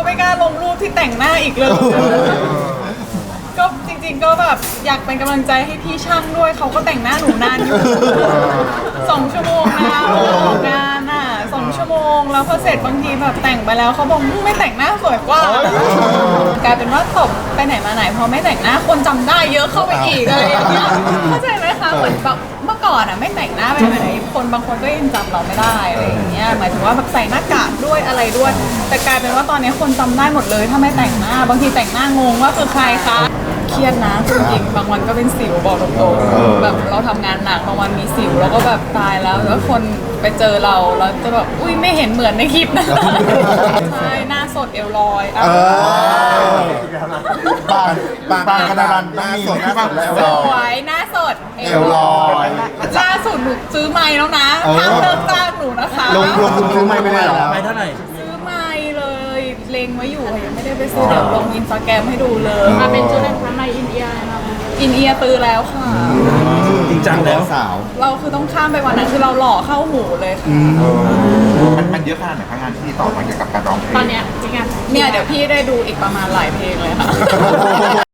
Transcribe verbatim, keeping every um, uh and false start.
ไม่กล้าลงรูปที่แต่งหน้าอีกเลยก็จริงๆก็แบบอยากเป็นกำลังใจให้พี่ช่างด้วยเขาก็แต่งหน้าหนูนานอยู่สองชั่วโมงนะออกงานอ่ะสองชั่วโมงแล้วพอเสร็จบางทีแบบแต่งไปแล้วเขาบอกไม่แต่งหน้าสวยกว่ากลายเป็นว่าตบไปไหนมาไหนพอไม่แต่งหน้าคนจำได้เยอะเข้าไปอีกอะไรอย่างเงี้ยเข้าใจไหมคะเหมือนแบบเมื่อก่อนอ่ะไม่แต่งหน้าไปไหนคนบางคนก็ยังจำเราไม่ได้อะไรอย่างเงี้ยหมายถึงว่าแบบใส่หน้ากากด้วยอะไรด้วยแต่กลายเป็นว่าตอนนี้คนจำได้หมดเลยถ้าไม่แต่งหน้าบางทีแต่งหน้างงว่าคือใครคะเครียดนะจริงๆบางวันก็เป็นสิวบอกตรงๆแบบเราทำงานหนักบางวันมีสิวแล้วก็แบบตายแล้วแล้วคนไปเจอเราแล้วจะแบบอุ้ยไม่เห็นเหมือนในคลิปนะใช่หน้าสดเอวลอยอ่ะปานปานปานกระดานหน้าสดหน้าสดแล้วสวยหน้าสดเอวลอยล่าสุดหนูซื้อไม้แล้วนะห้ามเลิกจ้างหนูนะคะลงลงทุนซื้อไม่ไม่ได้หรอไปเท่าไหร่ซื้อไม้เลยเลงไว้อยู่ค่ะยังไม่ได้ไปซื้อเดี๋ยวลงอินสตาแกรมให้ดูเลยมาเป็นจุดแรกทำไมอินเดียนะคะอินเอียร์ตื้อแล้วค่ะจริงจังแล้วสาวเราคือต้องข้ามไปวันนั้นคือเราหล่อเข้าหมูเลยค่ะมันมันเยอะขนาดไหนคะงานที่ต่อมาเกี่ยวกับการร้องเพลงตอนเนี้ยจริงๆเนี่ยเดี๋ยวพี่ได้ดูอีกประมาณหลายเพลงเลยค่ะ